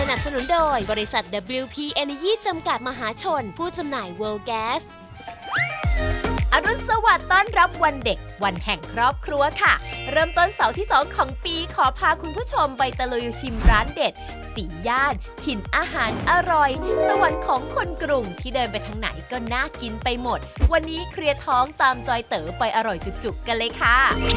นับสนุนโดยบริษัท WP Energy จำกัดมหาชนผู้จำหน่าย World Gas อรุณสวัสดิ์ต้อนรับวันเด็กวันแห่งครอบครัวค่ะเริ่มต้นเสาร์ที่ 2 ของปีขอพาคุณผู้ชมไปตะลุยชิมร้านเด็ดสีย่านถิ่นอาหารอร่อยสวรรค์ของคนกรุงที่เดินไปทางไหนก็น่ากินไปหมดวันนี้เคลียร์ท้องตามจอยเต๋อไปอร่อยจุกๆกันเลยค่ะ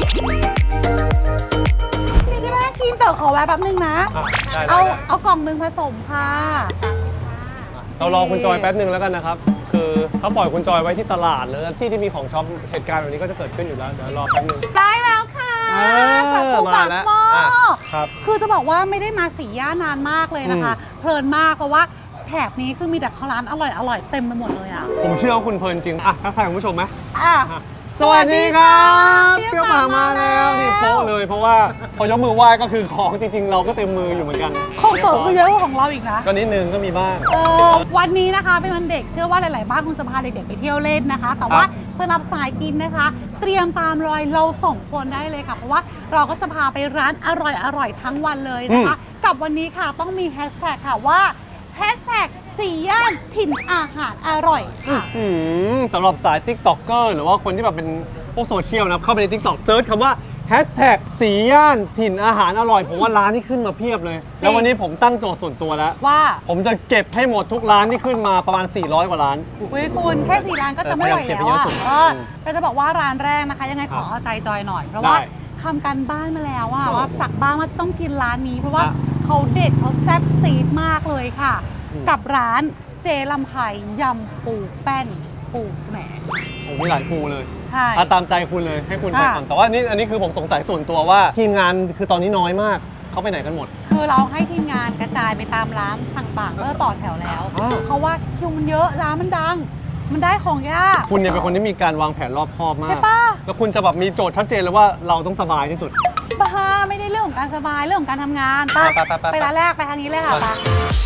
นี่ก็น่ากินเต๋อขอแวะแป๊บนึงนะเอากล่องหนึ่งผสมค่ะเรารอคุณจอยแป๊บนึงแล้วกันนะครับคือเขาปล่อยคุณจอยไว้ที่ตลาดเลยที่มีของช็อปเหตุการณ์แบบนี้ก็จะเกิดขึ้นอยู่แล้วเดี๋ยวรอแป๊บนึงได้แล้วค่ะสักมาแล้วครับคือจะบอกว่าไม่ได้มาสีย่านานมากเลยนะคะเพลินมากเพราะว่าแถบนี้คือมีแต่ร้านอร่อยเต็มไปหมดเลยอ่ะผมเชื่อว่าคุณเพลินจริงทักทายคุณผู้ชมไหมสวัสดีครับเปรี้ยวปากมาแล้วนี่โป๊ะเลยเพราะว่าพอยกมือไหว้ก็คือของจริงๆเราก็เต็มมืออยู่เหมือนกันของเต๋อคือเยอะกว่าของเราอีกนะก็นิดนึงก็มีบ้างวันนี้นะคะเป็นวันเด็กเชื่อว่าหลายๆบ้านคงจะพาเด็กๆไปเที่ยวเล่นนะคะแต่ว่าสำหรับสายกินนะคะเตรียมตามรอยเรา2 คนได้เลยค่ะเพราะว่าเราก็จะพาไปร้านอร่อยทั้งวันเลยนะคะกับวันนี้ค่ะต้องมีแฮชแท็กค่ะว่าแฮชแท็กสี่ย่านถิ่นอาหารอร่อยค่ะสำหรับสาย TikToker หรือว่าคนที่แบบเป็นพวกโซเชียลนะเข้าไปใน TikTok เซิร์ชคำว่าแฮชแท็กสีย่านถิ่นอาหารอร่อยผมว่าร้านที่ขึ้นมาเพียบเลยแล้ววันนี้ผมตั้งโจทย์ส่วนตัวแล้วว่าผมจะเก็บให้หมดทุกร้านที่ขึ้นมาประมาณ400กว่าร้านคุณแค่4ร้านก็จะไม่ไหวแล้วก็จะบอกว่าร้านแรกนะคะยังไงขอเอาใจจอยหน่อยเพราะว่าทำการบ้านมาแล้วว่าจากบ้านว่าจะต้องกินร้านนี้เพราะว่าเขาเด็ดเขาแซ่บซีดมากเลยค่ะกับร้านเจลำไผ่ยำปูแป้นปูแสมโอ้มีหลายปูเลยใช่ตามใจคุณเลยให้คุณไปก่อนแต่ว่าอันนี้คือผมสงสัยส่วนตัวว่าทีมงานคือตอนนี้น้อยมากเขาไปไหนกันหมดคือเราให้ทีมงานกระจายไปตามร้านต่างๆก็ต่อแถวแล้วเพราะว่าคิวมันเยอะร้านมันดังมันได้ของยากคุณเนี่ยเป็นคนที่มีการวางแผนรอบคอบมากใช่ปะแล้วคุณจะแบบมีโจทย์ชัดเจนเลยว่าเราต้องสบายที่สุดบ้าไม่ได้เรื่องของการสบายเรื่องของการทำงานไปร้านแรกไปทางนี้เลยค่ะไป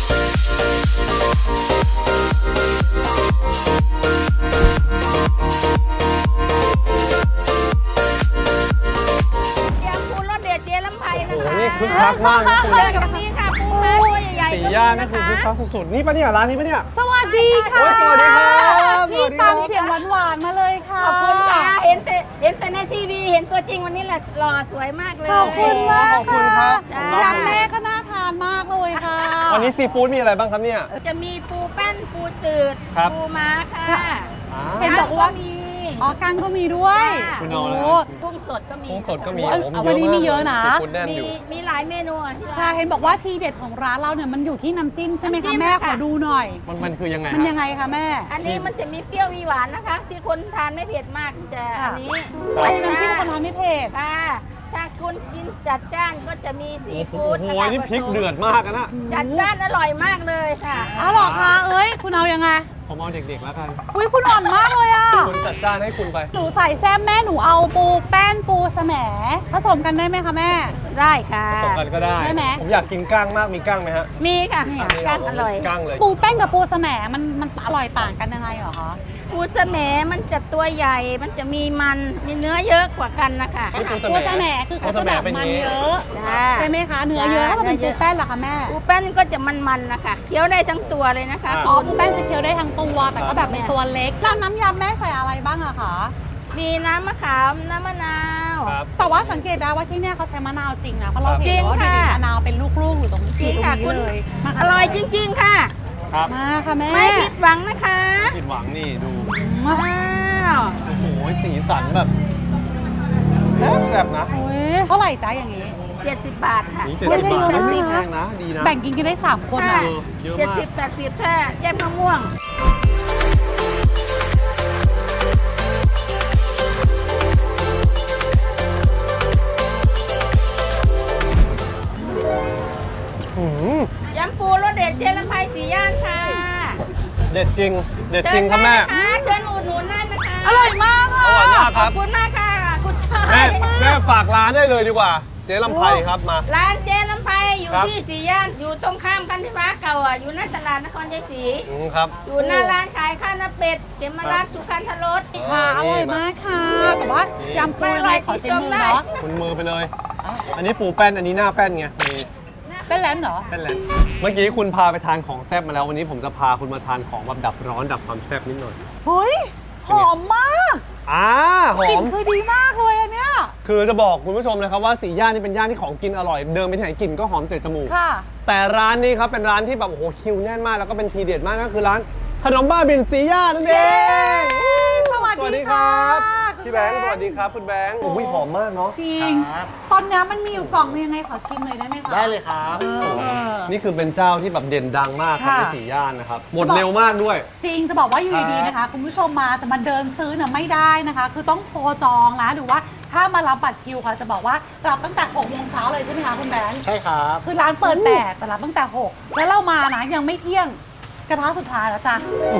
นี่คึกคักมากเจอกับนี้ค่ะปูม้าตัวใหญ่ๆสีย่านนั่นคือคึกคักสุดๆนี่ปะเนี่ยร้านนี้ปะเนี่ยสวัสดีค่ะสวัสดีครับนี่ฟังเสียงหวานๆมาเลยค่ะขอบคุณค่ะเห็นแต่ในทีวีเห็นตัวจริงวันนี้แหละหล่อสวยมากเลยขอบคุณมากขอบคุณครับยำแม่ก็น่าทานมากเลยค่ะวันนี้ซีฟู้ดมีอะไรบ้างครับเนี่ยจะมีปูแป้นปูจืดปูม้าค่ะเห็นบอกว่ามีกั้งก็มีด้วยคุณเอาแล้วกุ้งสดก็มีกุ้งสดก็มีวันนี้มีเยอะนะมีหลายเมนูค่ะเห็นบอกว่าทีเด็ดของร้านเราเนี่ยมันอยู่ที่น้ำจิ้มใช่ไหมคะแม่ขอดูหน่อยมันคือยังไงมันยังไงคะแม่อันนี้มันจะมีเปรี้ยวมีหวานนะคะที่คนทานไม่เผ็ดมากจะอันนี้น้ำจิ้มคนทานไม่เผ็ดค่ะถ้าคุณกินจัดจ้านก็จะมีซีฟู้ดโอ้โหนี่พริกเดือดมากนะจัดจ้านอร่อยมากเลยค่ะหรอคะคุณเอายังไงผมเอาเด็กๆแล้วกันคุณอ่อนมากเลยอ่ะคุณจัดจ้านให้คุณไปหนูใส่แซ่บแม่หนูเอาปูแป้นปูแสมผสมกันได้ไหมคะแม่ได้ค่ะผสมกันก็ได้ไหมผมอยากกินก้างมากมีก้างไหมฮะมีค่ะก้างอร่อยก้างเลยปูแป้นกับปูแสมมันอร่อยต่างกันยังไงเหรอคะปูแสมมันจะตัวใหญ่มันจะมีเนื้อเยอะกว่ากันนะคะปูแสมคือเขาจะแบบมันเยอะใช่ไหมคะเนื้อเยอะถ้าเป็นปูแป้นล่ะคะแม่ปูแป้นก็จะมันๆนะคะเคี้ยวได้ทั้งตัวเลยนะคะปูแป้นจะเคี้ยวได้ทั้งตัวแต่ก็แบบเป็นตัวเล็กน้ำยำแม่ใส่อะไรบ้างอะคะมีน้ำมะขามน้ำมะนาวแต่ว่าสังเกตได้ว่าที่เนี่ยเขาใช้มะนาวจริงนะเพราะเราเห็นว่ามีมะนาวเป็นลูกๆอยู่ตรงนี้เลยอร่อยจริงๆค่ะมาค่ะแม่ไม่ผิดหวังนะคะผิดหวังนี่ดูว้าวโอ้โหสีสันแบบแซ่บๆนะเท่าไหร่จ๊ะอย่างนี้ 70 บาทค่ะ 70 บาทไม่แพงนะดีนะแบ่งกินได้3 คนอ่ะ70-80ถ้าแยกมะม่วงยำปูรสเด็ดเจลำไผ่สีย่านค่ะเด็ดจริงครับแม่เชิญอุดหนุนนั่นนะคะอร่อยมากค่ะอร่อยมากครับขอบคุณมากค่ะคุณชายแม่ฝากร้านได้เลยดีกว่าเจลำไผ่ครับมาร้านเจลำไผ่อยู่ที่สีย่านอยู่ตรงข้ามกันที่ฟ้าเก่าอยู่หน้าตลาดนครชัยศรีครับอยู่หน้าร้านขายข้าวหน้าเป็ดเขมราชสุขันธรสค่ะอร่อยมากค่ะแต่ว่ายำปูอะไรขอชิมมือเนาะคุณมือไปเลยอันนี้ปูแป้นอันนี้หน้าแป้นไงมีเป็นแลนด์เหรอเป็นแล้วเมื่อกี้คุณพาไปทานของแซ่บมาแล้ววันนี้ผมจะพาคุณมาทานของแบบดับร้อนดับความแซ่บนิดหน่อยเฮ้ย หอมมากหอกลิ่นมคือดีมากเลยอันเนี้ยคือจะบอกคุณผู้ชมนะครับว่าสีย่านนี่เป็นย่านที่ของกินอร่อยเดินไปที่ไหนกลิ่นก็หอมเตะจมูกค่ะแต่ร้านนี้ครับเป็นร้านที่แบบโอ้โหคิวแน่นมากแล้วก็เป็นทีเด็ดมากนั่นคือร้านขนมบ้าบินสีย่านนั่นเองสวัสสวัสดีดีคค่ะรับคุณพี่แบงค์สวัสดีครับคุณแบงค์โอ้โอ้ยหอมมากเนาะจริง ตอนเนี้ยมันมีอยู่กล่องนึงยังไงขอชิมเลยได้ไหมคะได้เลยครับนี่คือเป็นเจ้าที่แบบเด่นดังมากครับค่ะในสีย่านนะครับหมดเร็วมากด้วยจริงจะบอกว่าอยู่ดีๆนะคะ คุณผู้ชมมาจะมาเดินซื้อเนี่ยไม่ได้นะคะ คือต้องโทรจองนะหรือว่าถ้ามารับบัตรคิวค่ะจะบอกว่ารับตั้งแต่6 โมงเช้าเลยใช่ไหมคะคุณแบงค์ใช่ครับคือร้านเปิด8แต่รับตั้งแต่6แล้วเรามานะยังไม่เที่ยงกระทะสุดท้ายแล้วจ้ะ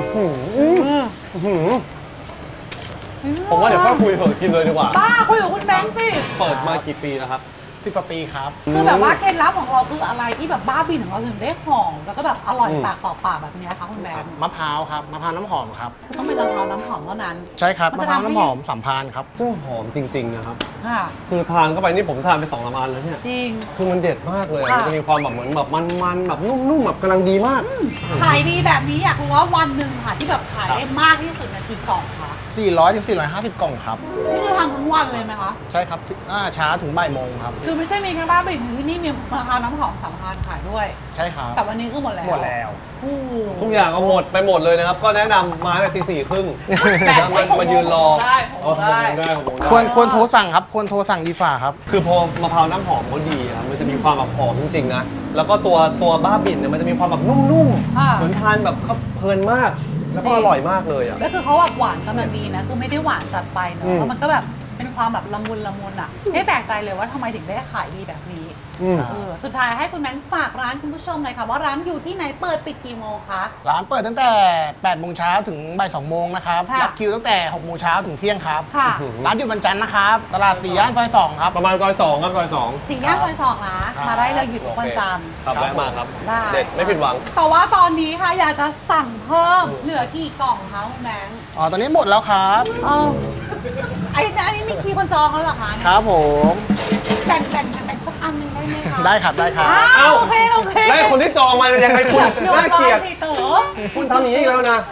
ผมว่าเดี๋ยวค่อยคุยเถอะกินเลยดีกว่าบ้าคุยกับคุณแบงค์สิเปิดมากี่ปีแล้วครับ 10 กว่าปีครับคือแบบว่าเคล็ดลับของเราคืออะไรที่แบบบ้าบินของเราถึงได้หอมแล้วก็แบบอร่อยอืมปากต่อปากแบบเนี้ยคะคุณแบงค์มะพร้าวครับ มะพร้าวน้ำหอมครับคือต้องเป็นมะพร้าวน้ำหอมเท่านั้นใช่ครับมันมะจะพร้าวทำให้น้ำหอมสัมพานครับซึ่งหอมจริงๆนะครับค่ะคือทานเข้าไปนี่ผมทานไป2 อันแล้วเนี่ยจริงคือมันเด็ดมากเลยค่ะมันจะมีความแบบเหมือนแบบมันๆแบบนุ่มๆแบบกำลังดีมากขายดีแบบนี้อยากรู้ว่าวันหนึ่งค่ะที่แบบขายได้มากที่สุดในกี่กล่องคะ 400 ถึง 450 กล่องครับนี่คือทำทั้งวันเลยไหมคะใช่ครับช้าถึงบ่ายโมงครับคือไม่ใช่มีแค่บ้าบินที่นี่มีมะพร้าวน้ำหอมสัมพันธ์ขายด้วยใช่ครับแต่วันนี้คือหมดแล้วหมดแล้วโอ้โหทุกอย่างก็หมดไปหมดเลยนะครับ ก็แนะนำมาตั้งแต่ตี 4:30มายืนรอได้ผมได้ผมได้ควรโทรสั่งครับ ควรโทรสั่งดีฝ่าครับคือพอมะพร้าวน้ำหอมเขาดีครับมันจะมีความแบบหอมจริงๆนะแล้วก็ตัวบ้าบิ่นเนี่ยมันจะมีความแบบนุ่มค่ะๆเหมือนทานแบบเขาเพลินมาก แล้วก็อร่อยมากเลยอ่ะแล้วคือเขาแบบหวานกำลังดีนะคือไม่ได้หวานจัดไปเนอะอืมแล้วมันก็แบบเป็นความแบบละมุนอ่ะไม่แปลกใจเลยว่าทำไมถึงได้ขายดีแบบนี้อืมสุดท้ายให้คุณแบงค์ฝากร้านคุณผู้ชมเลยค่ะว่าร้านอยู่ที่ไหนเปิดปิดกี่โมงคะร้านเปิดตั้งแต่ 8 โมงเช้าถึงบ่าย 2 โมงนะครับค่ะรับคิวตั้งแต่ 6 โมงเช้าถึงเที่ยงครับค่ะร้านอยู่วันจันทร์นะครับ ตลาดสี่ย่านซอย 2 ครับประมาณซอย 2ครับซอยสี่ย่านซอยสองนะมาได้เลยอยู่ทุกวันจันทร์ครับแวะมาครับได้เด็ดไม่ผิดหวังแต่ว่าตอนนี้ค่ะอยากจะสั่งเพิ่มเหลือกี่กล่องคะคุณแบงค์อ๋อ ตอนนี้หมดแล้วครับเออไอ้นี่มีคนจองแล้วเหรอคะครับผมแบ่งสักอันหนึงได้ไหมคะได้ครับ ได้ครับอ้าวโอเคแล้วไอ้คนที่จองมายังไงคุณน่าเกลียดสิเต๋อคุณทำอย่างนี้อีกแล้วนะ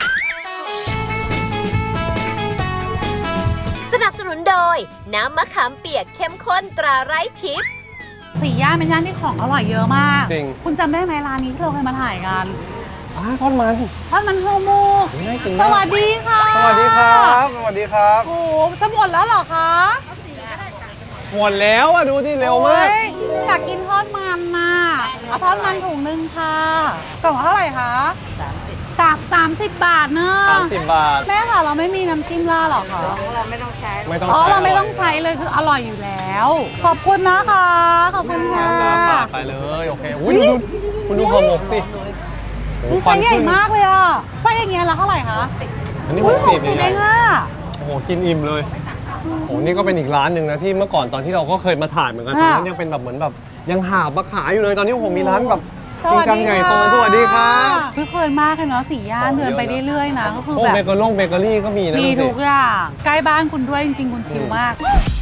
สนับสนุนโดย น้ำมะขามเปียกเข้มข้นตราไร้ทิพย์สี่ย่านเป็นย่านที่ของอร่อยเยอะมากจริงคุณจำได้ไหมร้านนี้ที่เราเคยมาถ่ายกันทอดมันทอดมันโฮมูน่ากินสมากวัสดีค่ะสวัสดีครับสวัสดีครับโอ้โหจะหมดแล้วเหรอคะหมดแล้วอ่ะดูที่เร็วมากโอ้ยอยากกินทอดมันน่ะเอาทอดมันถุงนึงค่ะกล่องละเท่าไหร่คะ30 บาทเนอะ 30 บาทแม่ค่ะเราไม่มีน้ำจิ้มล่าดหรอคะเราไม่ต้องใช้ไม่ต้องอ๋อใช้เราไม่ต้องใช้เลยคืออร่อยอยู่แล้ว ขอบคุณนะคะ ขอบคุณค่ะปาดไปเลยโอเคอุ้ยดูคุณดูห่อหมกสิโอ้โหนี่ไซส์ใหญ่มากเลยอ่ะไซส์อย่างเงี้ยละเท่าไหร่คะอันนี้อุ๊ย 60 60 เองเองอ่ะโอ้โหกินอิ่มเลยโอ้โหนี่ก็เป็นอีกร้านหนึ่งนะที่เมื่อก่อนตอนที่เราก็เคยมาถ่ายเหมือนกันตอนนั้นยังเป็นแบบเหมือนแบบยังหาบมาขายอยู่เลยตอนนี้ผมมีร้านแบบจริงจังใหญ่โตสวัสดีครับคือเพลินมากเลยเนาะสี่ย่านเดินไปเรื่อยๆนะก็คือโอ้แบบเบเกอรี่ก็มีนะมีดูสิทุกอย่างใกล้บ้านคุณด้วยจริงๆคุณชิลมาก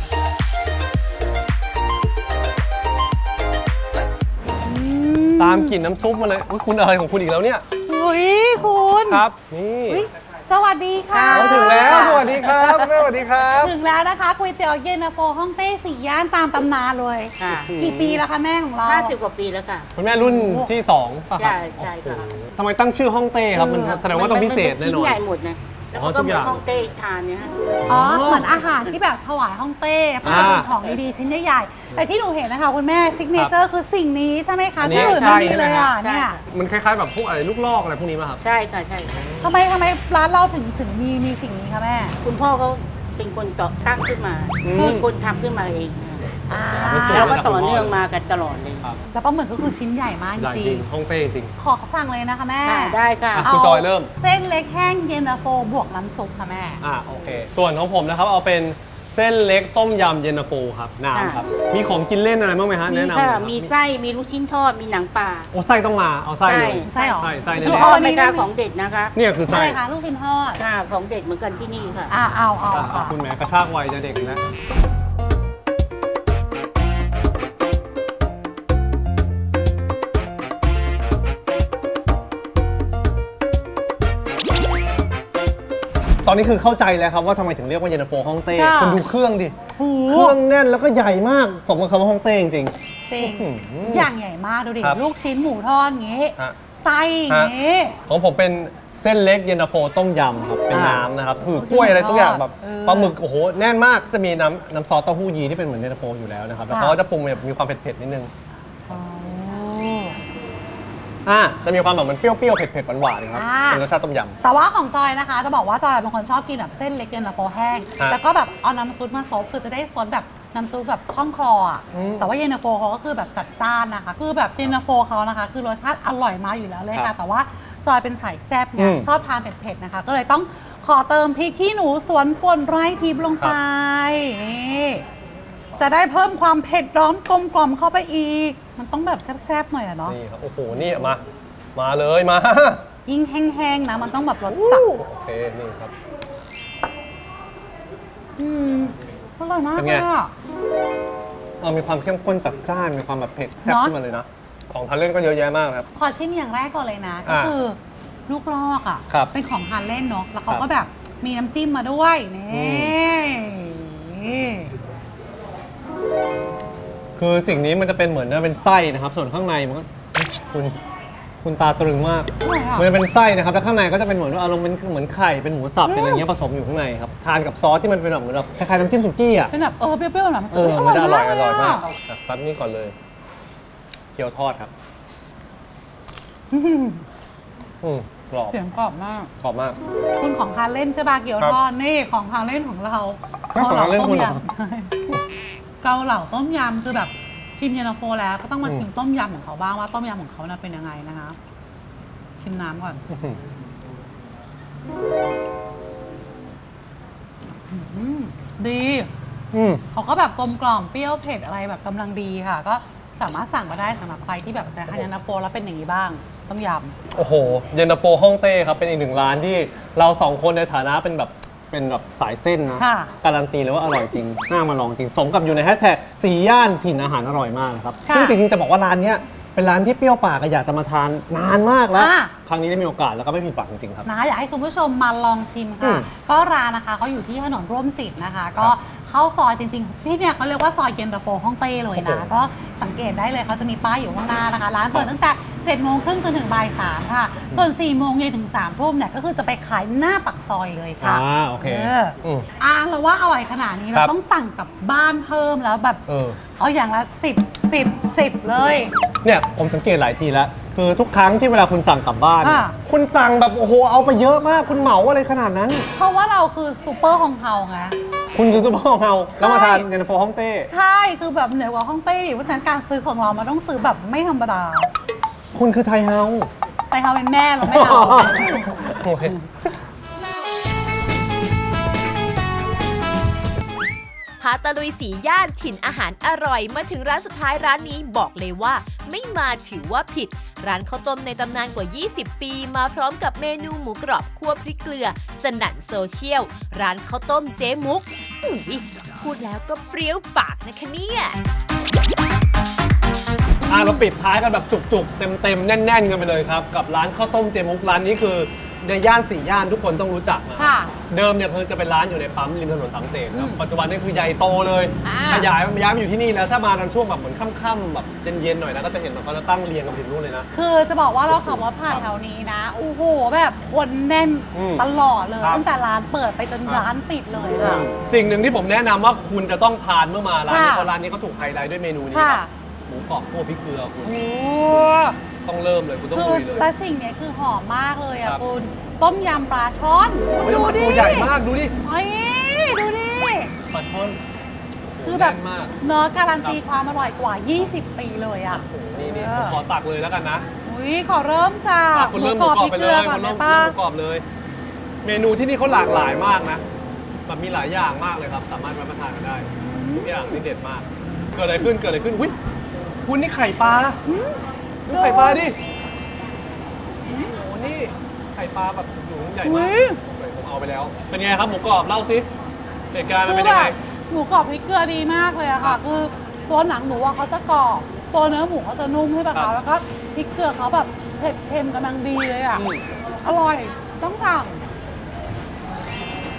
ตามกลิ่นน้ำซุปมาเลยอุ๊ยคุณอะไรของคุณอีกแล้วเนี่ยอุ้ยคุณครับนี่อุ๊ยสวัสดีค่ะเราถึงแล้วสวัสดีครับแม่สวัสดีครับถึงแล้วนะคะก๋วยเตี๋ยวเย็นตาโฟฮ่องเต้สี่ย่านตามตำนานเลยค่ะกี่ปีแล้วคะแม่ของเรา 50 กว่าปีแล้วค่ะคุณแม่รุ่นที่2ป่ะครับใช่ค่ะโอ้โหทำไมตั้งชื่อฮ่องเต้ครับมันแสดงว่าต้องพิเศษมัแน่เป็นนอนชิ้นใหญ่หมดนะแล้วอ๋อก็ทุกเหอมือนย่างฮ่องเต้ทานเนี่ยฮะอ๋อเหมือนอาหารที่แบบถวายฮ่องเต้เขาจะเป็นของดีๆชิ้นใหญ่ๆแต่ที่หนูเห็นนะคะคุณแม่ซิกเนเจอร์คือสิ่งนี้ใช่ไหมคะอันนี้ชื่ออื่นใช่ไม่มีเลยอ่ะใช่เนี่ยค่ะมันคล้ายๆแบบพวกอะไรลูกลอกอะไรพวกนี้ป่ะครับใช่ค่ะใช่ค่ะทำไมร้านเราถึงมีสิ่งนี้คะแม่คุณพ่อเขาเป็นคนต่อตั้งขึ้นมาอืมเป็นคนทำขึ้นมาเองอ่าแล้วก็ต่อเนื่องมากันตลอดเลยครับแล้วปลาหมึกก็คือชิ้นใหญ่มากจใหญ่จริริงงฮ่องเต้จริงๆขอสั่งเลยนะคะแม่ค่ะได้ค่ะอ่ะ คุณจอยเริ่มเส้นเล็กแห้งเย็นตาโฟบวกน้ำซุปค่ะแม่โอเค ส่วนของผมนะครับเอาเป็นเส้นเล็กต้มยำเย็นตาโฟครับน้ำครับ มีของกินเล่นอะไรบ้างไหมฮะมีแนะนำหน่อยค่ะรับมีไส้ มีลูกชิ้นทอด มีหนังปลาโอ้ไส้ต้องมาเอาไส้เลยไส้เหรอไส้ลูกแน่ชิ้นๆทอดไม่กล้าของเด็ดนะคะเนี่ยคือไส้อะไรคะลูกชิ้นทอดค่ะของเด็ดเหมือนกันที่นี่ค่ะเอาอ่ะค่ะคุณแม่กระชากวัยจะเด็กนะอนนี้คือเข้าใจแล้วครับว่าทำไมถึงเรียกว่าเย็นตาโฟฮ่องเต้ค่ะคุณดูเครื่องดิโอ้โหเครื่องแน่นแล้วก็ใหญ่มากสมกับคำว่าฮ่องเต้จริงจริงอื้อหืออย่างใหญ่มากดูดิครับลูกชิ้นหมูทอดอย่างงี้ฮะไส้อย่างงี้ของผมเป็นเส้นเล็กเย็นตาโฟต้มยำครับเป็นอ่าน้ำนะครับคือกล้วยอะไรทุกอย่างแบบเออปลาหมึกโอ้โหแน่นมากจะมีน้ำซอสเต้าหู้ยีที่เป็นเหมือนเย็นตาโฟอยู่แล้วนะครับแล้วค่ะเขาก็จะปรุงแบบมีความเผ็ดๆนิดนึงอ๋อจะมีความแบบมันเปรี้ยวๆเผ็ดๆหวานๆครับอ่าเป็นรสชาติต้มยแต่ว่าของจอยนะคะ จะบอกว่าจอยเป็นคนชอบกินแบบเส้นเล็กเย็นตาโฟแห้งฮะแล้วก็แบบเอาน้ำซุปมาซดคือจะได้ซดแบบน้ำซุปแบบคล่องคลออ่ะอืมแต่ว่าเย็นตาโฟเขาก็คือแบบจัดจ้านนะคะ คือแบบเย็นตาโฟเขานะคะ คือรสชาติอร่อยมากอยู่แล้วเลยครัค่ะบแต่ว่าจอยเป็นสายแซ่บไงอืมชอบทานเผ็ดๆนะคะ ก็เลยต้องขอเติมพริกขี้หนูสวนป่นไร่ทิพย์ลงไปนี่จะได้เพิ่มความเผ็ดร้อนกลมกล่อมเข้าไปอีก มันต้องแบบแซ่บๆหน่อยอะเนาะนี่ครับโอ้โหนี่มาเลยมายิ่งแห้งๆนะมันต้องแบบรสจัดโอเคนี่ครับอร่อยมากเป็นเลไงยอ่ะมีความเข้มข้นจัดจ้านมีความแบบเผ็ดแซ่บเนอะขึ้นมาเลยนะของทานเล่นก็เยอะแยะมากครับขอชิมอย่างแรกก่อนเลยนะ ก็อ่าคือลูกลอกอ่ะครับเป็นของทานเล่นเนาะแล้วเขาครับก็แบบมีน้ำจิ้มมาด้วยนี่คือสิ่งนี้มันจะเป็นเหมือนเป็นไส้นะครับ ส่วนข้างในมันก็คุณตาตรึงมากอร่อยอ่ะมันจะเป็นไส้นะครับแล้วข้างในก็จะเป็นเหมือนว่าอารมณ์เป็นเหมือนไข่เป็นหมูสับเป็นอะไรเงี้ยผสมอยู่ข้างในครับทานกับซอสที่มันเป็นแบบเหมือนแบบคล้ายๆน้ำจิ้มสุกี้อ่ะเป็นแบบเปรี้ยวๆหน่อยมันมันจะอร่อยมากอะซัดนี่ก่อนเลยเกี๊ยวทอดครับอื้อหือกรอบเสียงกรอบมากกรอบมากคุณของทานเล่นใช่ป่ะเกี๊ยวครับทอดนี่ของทานเล่นของเราก็ของทานเล่นคุณเหรอเกาเหลาต้มยำคือแบบชิมเย็นตาโฟแล้วก็ต้องมาชิมต้มยำของเขาบ้างว่าต้มยำของเขาน่ะเป็นยังไงนะคะ ชิมน้ำก่อนอื้อหือดีอืมเขาก็แบบกลมกล่อมเปรี้ยวเผ็ดอะไรแบบกำลังดีค่ะ ก็สามารถสั่งมาได้สำหรับใครที่แบบจะทานเย็นตาโฟแล้วเป็นอย่างนี้บ้างต้มยโอ้โห เย็นตาโฟฮ่องเต้ครับเป็นอีกหนึ่งร้านที่เราสองคนในฐานะเป็นแบบสายเส้นนะค่ะการันตีเลยว่าอร่อยจริง น่ามาลองจริง สมกับอยู่ในแฮชแท็กสี่ย่านถิ่นอาหารอร่อยมากนะครับค่ะซึ่งจริงๆจะบอกว่าร้านเนี้ยเป็นร้านที่เปรี้ยวปากอะอยากจะมาทานนานมากแล้วอ่ะครั้งนี้ได้มีโอกาสแล้วก็ไม่ผิดหวังจริงๆครับนะอยากให้คุณผู้ชมมาลองชิมอืค่ะมก็ร้านนะคะเขาอยู่ที่ถนนร่วมจิตนะคะ ก็ครับเข้าซอยจริงๆ ที่เนี่ยเขาเรียกว่าซอยเย็นตาโฟฮ่องเต้เลยนะโอ้โหก็สังเกตได้เลยเขาจะมีป้ายอยู่ข้างหน้านะคะ ร้านเปิดตั้งแต่7โมงครึ่งจนถึงบ่าย3ค่ะ ส่วน4โมงเย็นถึง3ทุ่มเนี่ยก็คือจะไปขายหน้าปักซอยเลยค่ะโอเคอเราว่าอร่อยขนาดนี้คเรารับต้องสั่งกลับบ้านเพิ่มแล้วแบบ เอาอย่างละ10 เลยเนี่ยผมสังเกตหลายทีแล้ว คือทุกครั้งที่เวลาคุณสั่งกลับบ้านเนี่ยอ่ะคุณสั่งแบบโอ้โหเอาไปเยอะมากคุณเหมาอะไรขนาดนั้นเพราะว่าเราคือซูเปอร์ฮองเฮาไงคุณคือซุปเปอร์ของเราแล้วมาทานเย็นตาโฟฮ่องเต้ใช่คือแบบเหนือกว่าฮ่องเต้ดิเพราะฉะนั้นการซื้อของเรามันต้องซื้อแบบไม่ธรรมดาคุณคือไทยเฮาแต่เขาเป็นแม่เราไม่เอาโอเคพาตะลุยสีย่านถิ่นอาหารอร่อยมาถึงร้านสุดท้ายร้านนี้บอกเลยว่า ไม่มาถือว่าผิด ร้านข้าวต้มในตำนานกว่า 20 ปีมาพร้อมกับเมนูหมูกรอบคั่วพริกเกลือ สนั่นโซเชียล ร้านข้าวต้มเจ๊มุกอุ๊ยพูดแล้วก็เปรี้ยวปากนะคะเนี่ยเราปิดท้ายกันแบบจุกๆ เต็มๆ แน่นๆ กันไปเลยครับ กับร้านข้าวต้มเจมุกร้านนี้คือในย่านสี่ย่านทุกคนต้องรู้จักนะค่ะเดิมเนี่ยคือจะเป็นร้านอยู่ในปั๊มริมถนนสามเสนครับปัจจุบันนี่คือใหญ่โตเลยอ่าขยายย้ายมาอยู่ที่นี่แล้วถ้ามาตอนช่วงแบบเหมือนค่ำๆแบบเย็นๆหน่อยนะก็จะเห็นแบบเขาจะตั้งเรียงกันถึงนู่นเลยนะคือจะบอกว่าเราขับรถผ่านแถวนี้นะโอ้โหแบบคนแน่นอืมตลอดเลยครับตั้งแต่ร้านเปิดไปจนครับร้านปิดเลยค่ะสิ่งหนึ่งที่ผมแนะนำว่าคุณจะต้องทานเมื่อมาร้านนี้ค่ะเพราะร้านนี้เขาถูกไฮไลท์ด้วยเมนูนี้ค่ะครับหมูกรอบคั่วพริกเกลือคุณโอ้ต้องเริ่มเลยคุณต้องคือลุยเลยและสิ่งเนี้ยคือหอมมากเลยครัอ่ะบคุณต้มยำปลาช่อนโอ้ยดูดิตัวใหญ่มากดูดิเฮ้ยดูดิปลาช่อนโโหคือแบบน่นมากเนื้อการันตีความอร่อยกว่า 20 ปีเลยอ่ะโอ้โหนี่เอผอมขอตักเลยแล้วกันนะอุ้ยขอเริ่มจากคุณเริ่มหมูกรอบไปเลยก่อคุนณได้เริ่มปะหมูกรอบเลย เมนูที่นี่เขาหลากหลายมากนะแบบมีหลายอย่างมากเลยครับ สามารถรับประทานกันได้ทุกอย่างนี่เด็ดมาก เกิดอะไรขึ้นเกิดอะไรขึ้นอุ้ยคุณนี่ไข่ปลาดูไข่ปลาดิโอ้โหนี่ไข่ปลาแบบอยู่ใหญ่มากอุ้ยผมเอาไปแล้ว เป็นไงครับหมูกรอบเล่าสิเหตุการณ์มันคืเป็อน แบยังไงบหมูกรอบพริกเกลือดีมากเลยอะค่ะ คือตัวหนังหมูอะเขาจะกรอบตัวเนื้อหมูเขาจะนุ่มใช่ปะครัคะบแล้วก็พริกเกลือเขาแบบเผ็ดเค็มกำลังดีเลยอะอืมอร่อยต้องสั่ง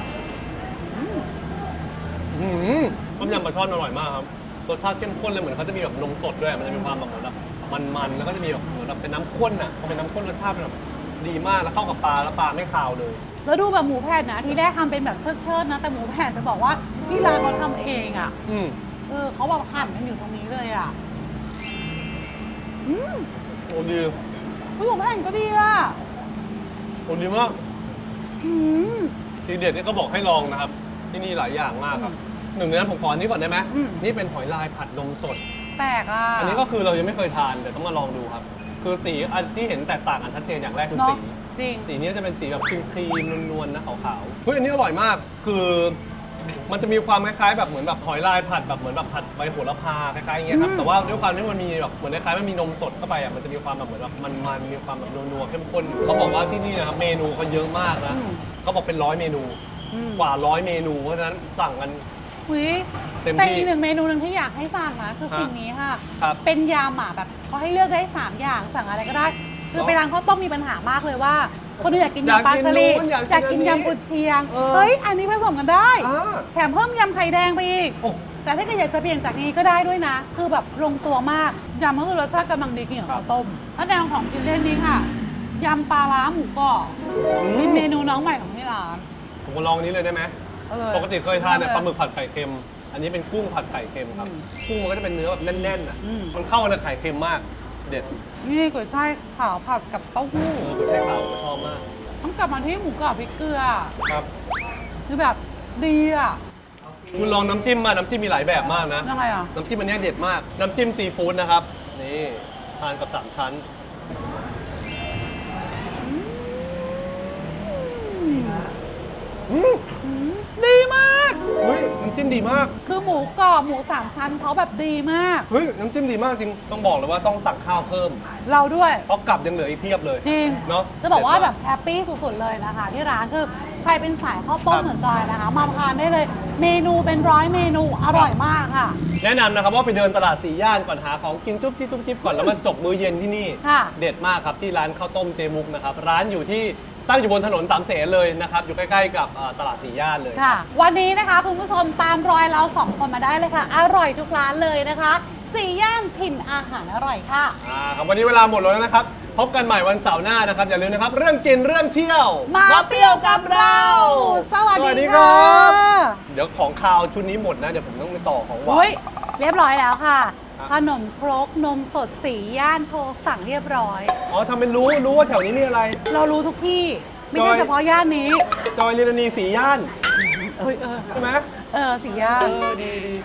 ต้มยำปลาช่อนอร่อยมากครับรสชาติเข้มข้นเลยเหมือนเขาจะมีแบบนมสดด้วยมันจะมีความแบบเหมือนแบบมันๆแล้วก็จะมีแบบเหมือนแบบเป็นน้ำข้นอ่ะพอเป็นน้ำข้นรสชาติมันแบบดีมากแล้วเข้ากับปลาแล้วปลาไม่คาวเลยแล้วดูแบบหมูแผ่นนะที่แรกทำเป็นแบบเชิดๆนะแต่หมูแผ่นจะบอกว่าที่ร้านเขาทำเองอ่ะอืมเขาแบบหั่นกันอยู่ตรงนี้เลยอ่ะอืมโอ้ดีหมูแผ่นก็ดีอ่ะโอ้ดีมากอืมทีเด็ดนี่ก็บอกให้ลองนะครับ ที่นี่หลายอย่างมากครับหนึ่งในนั้นผมขออันนี้ก่อนได้ไหมอืมนี่เป็นหอยลายผัดนมสดแปลกอ่ะอันนี้ก็คือเรายังไม่เคยทานแต่ต้องมาลองดูครับ คือสีอันที่เห็นแตกต่างกันชัดเจนอย่างแรกคือเนาะสีจริงสีนี้จะเป็นสีแบบครีมๆนวลๆนะขาวๆเฮ้ยอันนี้อร่อยมาก คือมันจะมีความคล้ายๆแบบเหมือนแบบหอยลายผัดแบบเหมือนแบบผัดใบโหระพาคล้ายๆอย่างเงี้ยครับ แต่ว่าด้วยความที่มันมีแบบเหมือนคล้ายๆมันมีนมสดเข้าไปอ่ะ มันจะมีความแบบเหมือนแบบมันๆมีความแบบนัวๆเข้มข้นอยู่เขาบอกว่าที่นี่นะครับเมนูเขาเยอะมากนะอืมเขาบอกเป็น100 เมนูอืมกว่า100 เมนู เพราะฉะนั้นสั่งกันอุ๊ยเต็มแต่ที่อีกหนึ่งเมนูหนึ่งที่อยากให้สั่งนะคือฮะสิ่งนี้ค่ะครับเป็นยำอ่ะแบบเขาให้เลือกได้ 3 อย่างสั่งอะไรก็ได้ คือเหรอไปร้านข้าวต้มมีปัญหามากเลยว่า คนอื่นอยากกินอยากยำปลากินสลิดนู้นอยากกินอยากกินอันนี้ยำกุนเชียงเออเฮ้ย อันนี้ผสมกันได้อ่าแถมเพิ่มยำไข่แดงไปอีกโอ้แต่ถ้าเกิดอยากจะเปลี่ยนจากนี้ก็ได้ด้วยนะ คือแบบลงตัวมากยำก็คือรสชาติกำลังดีกินกับข้าวต้มแล้วแนวของกินเล่นนี้ค่ะยำปลาร้าหมูกรอบเป็นเมนูน้องใหม่ของที่ร้านผมมาลองอันนี้เลยได้ไหมเออปกติเคยทานเนี่ยปลาหมึกผัดไข่เค็ม อันนี้เป็นกุ้งผัดไข่เค็มครับ กุ้งมันก็จะเป็นเนื้อแบบแน่นๆอ่ะอืมมันเข้ากับไข่เค็มมาก เด็ดนี่ก๋วยช่ายขาวผัดกับเต้าหู้กุยช่ายขาวผมชอบมากต้องกลับมาที่หมูกรอบพริกเกลือครับคือแบบดีอ่ะคุณลองน้ำจิ้มมา น้ำจิ้มมีหลายแบบมากนะยังไงอ่ะน้ำจิ้มอันเนี้ยเด็ดมาก น้ำจิ้มซีฟู้ดนะครับ นี่ทานกับ3 ชั้น อืมดีมากเฮ้ย น้ำจิ้มดีมากคือหมูกรอบหมูสามชั้นเขาแบบดีมากเฮ้ย น้ำจิ้มดีมากจริง ต้องบอกเลยว่าต้องสั่งข้าวเพิ่มเราด้วยเพราะกลับยังเหลืออีกเพียบเลยจริงเนาะจะบอกว่าเด็ดมแบบแฮปปี้สุดๆเลยนะคะ ที่ร้านคือใครเป็นสายข้าวต้คมรับเหมือนจอยนะคะ มาทานได้เลย เมนูเป็น100 เมนูอร่อยมากค่ะแนะนำนะครับว่าไปเดินตลาด4 ย่านก่อนหาของกินจุ๊บจิ๊บจุ๊บจิ๊บก่อนแล้วมาจบมื้อเย็นที่นี่ค่ะเด็ดมากครับที่ร้านข้าวต้มเจมุกนะครับ ร้านอยู่ที่ตั้งอยู่บนถนนสามเสนเลยนะครับ อยู่ใกล้ๆกับตลาด4 ย่านเลยค่ะ วันนี้นะคะคุณผู้ชมตามรอยเรา2 คนมาได้เลยค่ะ อร่อยทุกร้านเลยนะคะ4 ย่านถิ่นอาหารอร่อยค่ะครับวันนี้เวลาหมดแล้วนะครับ พบกันใหม่วันเสาร์หน้านะครับ อย่าลืมนะครับ เรื่องกินเรื่องเที่ยวมาเปรี้ยวกับเรา สวัสสวัสดีดีครัค่ะบ เดี๋ยวของคาวชุดนี้หมดนะ เดี๋ยวผมต้องไปต่อของหวาเฮ้ยนเรียบร้อยแล้วค่ะครับขนมครกนมสด4 ย่านโทรสั่งเรียบร้อยอ๋อทำเป็นรู้ว่าแถวนี้มีอะไรเรารู้ทุกที่ ไม่จใช่อยเฉพาะย่านนี้จอยลิลานี4 ย่านเอ้ยใช่ไหม 4 ย่านดี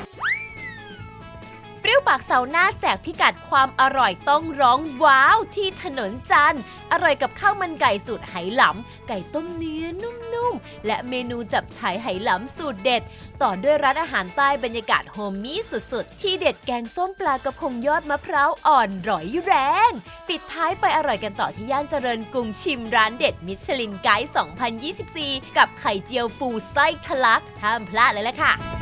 เปรี้ยวปากเสาร์หน้าแจกพิกัดความอร่อยต้องร้องว้าวที่ถนนจันทร์อร่อยกับข้าวมันไก่สูตรไหหลำไก่ต้มเนื้อนุ่มๆ และเมนูจับฉ่ายไหหลำสูตรเด็ด ต่อด้วยร้านอาหารใต้บรรยากาศโฮมมี่สุดๆ ที่เด็ดแกงส้มปลากระพงยอดมะพร้าวอ่อนร่อยแรง ปิดท้ายไปอร่อยกันต่อที่ย่านเจริญกรุงชิมร้านเด็ดมิชลินไกด์ 2024 กับไข่เจียวฟูไส้ทะลักห้ามพลาดเลยล่ะค่ะ